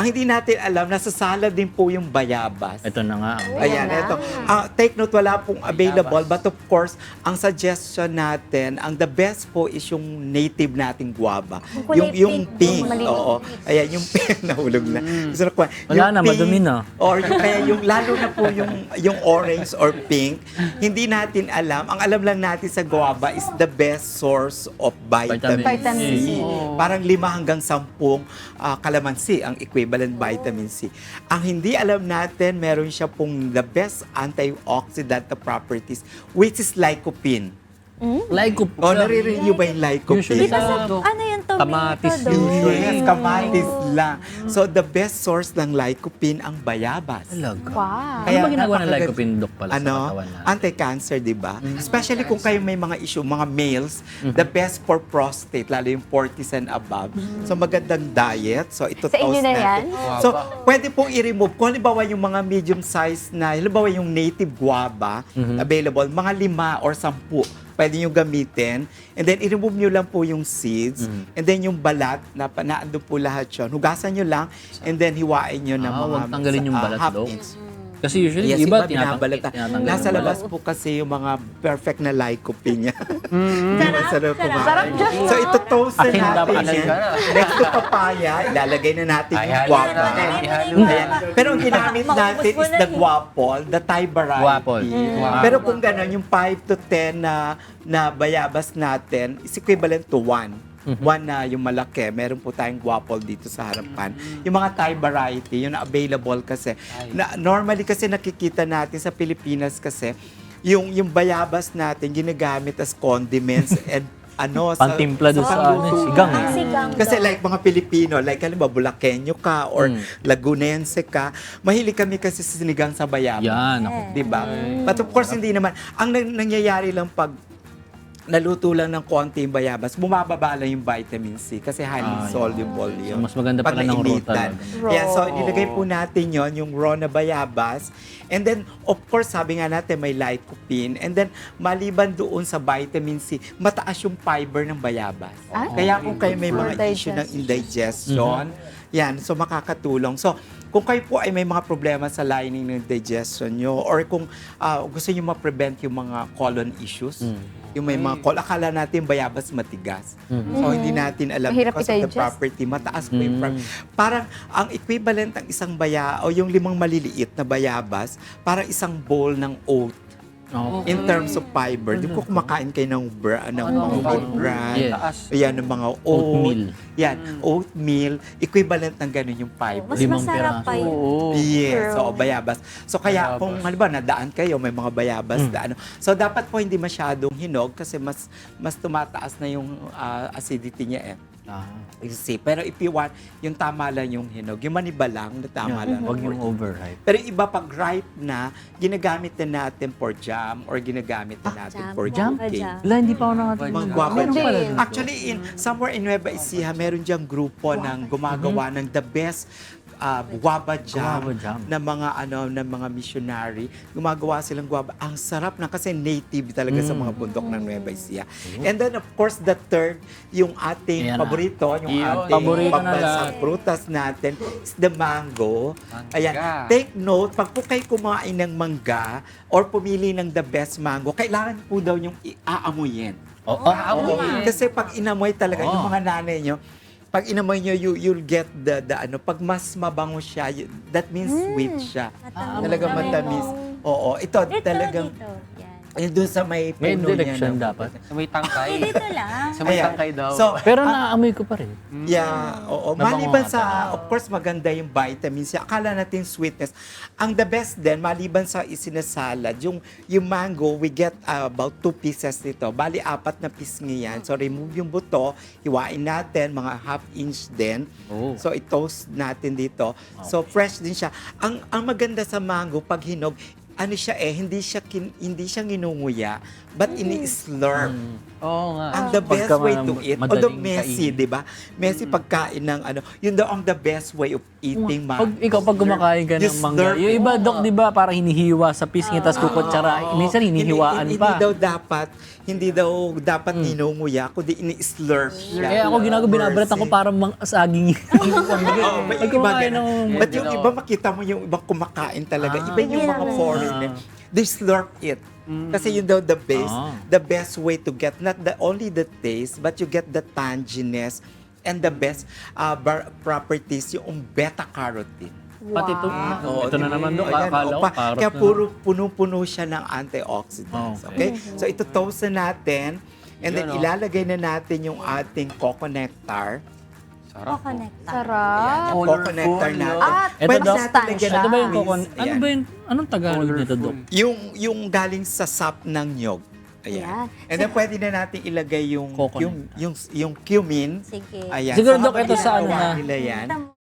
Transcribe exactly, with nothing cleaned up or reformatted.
Ang hindi natin alam, nasa salad din po yung bayabas. Ito na nga. ang- Ayan, Ayan ito. na. Ah, take note, wala pong available. But of course, ang suggestion natin, ang the best po is yung native nating guava. Yung kulay Yung, yung pink, pink. yung maliit. Oo. Ayan, yung pink. Nahulog na. Gusto na kuha. Wala Yung na, pink, madumi na. Or yung, kaya yung, lalo na po yung, yung orange or pink, hindi natin alam. Ang alam lang natin sa guava is the best source of vitamin, Vitamin C. C. Parang lima hanggang sampung ah, kalamansi ang equivalent vitamin C. Ang hindi alam natin, meron siya pong the best antioxidant na properties, which is lycopene. Lycopene. O, naririnig niyo ba yung lycopene? Usually Di ba sa, Sa- ano yung tomato Kamatis daw? usually. Yes, kamatis lang. So, the best source ng lycopene ang bayabas. Talaga. Wow. Ano ba ginagawa ng napakaganda- lycopene, Doc, pala ano, sa katawan natin? anti-cancer, di ba? Especially kung kayo may mga issue, mga males, the best for prostate, lalo yung forties and above. So, magandang diet. So, ito Sa inyo toast na natin. yan? So, pwede pong i-remove. Kung halimbawa yung mga medium size na, halimbawa yung native guava, available, mga lima or sampu, pwede nyo gamitin. And then, i-remove nyo lang po yung seeds. And then, yung balat, na, na ando po lahat yun. Hugasan nyo lang, and then hiwain nyo ng Ah, mga huwag tanggalin yung ah, balat, half Doc. inch. Kasi usually, Yes, iba, iba tinatang- binabalata. tinatanggal Nasa yung labas balat. po kasi yung mga perfect na lycopene niya. Sarap, Sarap kumain. sarap dyan. So ito toast na Akin natin dapat yan. Next to papaya, ilalagay na natin Ay, yung halo guava. natin. Ihalo Ayan. Pero ang ginamit Maubos natin mo is na the eh. guapol, the Thai variety. Guapol. Wow. Pero kung gano'n, yung five to ten na, na bayabas natin is equivalent to one. One na yung malaki. Meron po tayong guapol dito sa harapan. Yung mga Thai variety, yun na available kasi. Na, normally kasi nakikita natin sa Pilipinas kasi, yung, yung bayabas natin ginagamit as condiments and ano, Pantimpla doon sa ano, panluto. sigang. Ang sigang Kasi daw. like mga Pilipino, like halimbawa Bulakenyo ka or Mm. Lagunense ka, mahilig kami kasi sa sinigang sa bayabas. Yan, ako. Di ba? But of course, hindi naman. Ang nang- nangyayari lang pag naluto lang ng konti yung bayabas, bumababa lang yung vitamin C kasi highly Ah, yeah. soluble yun. So, mas maganda Pag pala ng raw nainitan. talaga. Yeah, so Raw. nilagay po natin yon yung raw na bayabas. And then, of course, sabi nga natin may lycopene. And then, maliban doon sa vitamin C, mataas yung fiber ng bayabas. Ah? Kaya kung kayo may For mga issue ng digestion. indigestion, yan, so makakatulong. So, kung kayo po ay may mga problema sa lining ng digestion nyo or kung ah, gusto nyo ma-prevent yung mga colon issues, yung may mga colon, akala natin bayabas matigas. So, hindi natin alam Mahirap because of the i-digest. property, mataas po yung pro- parang ang equivalent ng isang baya o yung limang maliliit na bayabas, parang isang bowl ng oat. Oh. In terms of fiber, di po kumakain kayo ng, bra, ng mga Ano? wheat bran, Yes. yan, ng mga oat, Oatmeal. yan, oatmeal, equivalent ng ganun yung fiber. Mas Limang masarap piraso. pa yun. Oo. Yes, True. so bayabas. So kaya kung halimbawa nadaan kayo, may mga bayabas na ano. So dapat po hindi masyadong hinog kasi mas mas tumataas na yung ah, acidity niya eh. Ah. You see. Pero if you want, yung tama lang yung hinog. Yung maniba lang, na tama lang. Huwag for yung it. overripe. Pero yung iba pag ripe na, ginagamit na natin for jam or ginagamit na natin jam. for Jam? cake. Jam. Wala, hindi pa ako nakatingin. Mga guwapa. Hindi. Actually, in, somewhere in Nueva Ecija, meron diyang grupo ng gumagawa ng the best uh, guava jam, Guava jam. na mga ano ng mga missionary. Gumagawa silang guava. Ang sarap na kasi native talaga sa mga bundok ng Nueva Ecija. And then of course the third, yung ating Ayan na. paborito, yung Yun. ating Paborito na pambansang lahat. prutas natin is the mango. Mangga. Ayan. Take note, pag po kayo kumain ng mangga or pumili ng the best mango, kailangan po daw yung iaamuyin. Oh, ah, Oo. oo. Kasi pag inamoy talaga, yung Oo. mga nanay nyo, pag inamoy nyo, you, you'll get the, the ano, pag mas mabango siya, y- that means sweet siya. Matamis. Talaga matamis. Oo, ito Dito, talagang, dito. Yan. ayun doon sa may May puno niya. direction na- dapat. Sa may tangkay. Eh, dito lang. Sa may Ayan. tangkay daw. So, Pero naamoy ko pa rin. yeah, oo. Nabango Maliban nga sa, of course, maganda yung vitamins. Akala natin sweetness. Ang the best din, maliban sa isinasalad, yung, yung mango, we get uh, about two pieces nito. Bali, apat na pisngi yan. So, remove yung buto, hiwain natin, mga half inch din. Oh. So, i-toast natin dito. So, fresh din siya. Ang, ang maganda sa mango, pag hinog, ano siya eh, hindi siya kin, hindi siya nginunguya, but ini-slurp. Oo nga. Ang the best Pagka way ma- to eat, madaling although messy, kainin. di ba? Messy pagkain ng ano, yun daw ang the best way of eating Pag mango. ikaw, pag kumakain ka You ng mangga, slurp yung it. iba, Dok, di ba, parang hinihiwa sa pisngi, tapos kukutsara. Oo. Minsan hinihiwaan hindi, pa. Hindi daw dapat, hindi daw dapat ninunguya, kundi ini-slurp siya. Kaya ako ginagawa, binabalatan ko Mercy. parang mang saging. Oo, may Pag iba kumakain ganun. ng- But yung iba, makita mo yung ibang kumakain talaga. Ah. Iba yung mga foreigner. They slurp it. Kasi yun daw the best, Ah. the best way to get not the only the taste, but you get the tanginess and the best uh, bar- properties, yung beta-carotene. Pati ito, Oo, ito na di- naman, Dok. ayan, Akala ko, opa. carrot Kaya na. puro puno-puno siya ng antioxidants. Okay. Okay? So ito toast na natin. And then Yan, oh. ilalagay na natin yung ating coco nectar. Sarap. Ayan, Sarap. yung coco nectar natin. At Ito, Pwede Dok. natin lagyan Ito ng Ito ba yung twist. kokon? Ano Ayan. ba yung, anong Tagalog nito, Dok? Yung, yung galing sa sap ng nyog. Ayan. Ayan. And then pwede na natin ilagay yung Coconut. yung yung yung cumin. Sige. Ayan. Siguro, So, Dok, habang ito sa ano ginagawa na- nila yan, Tama.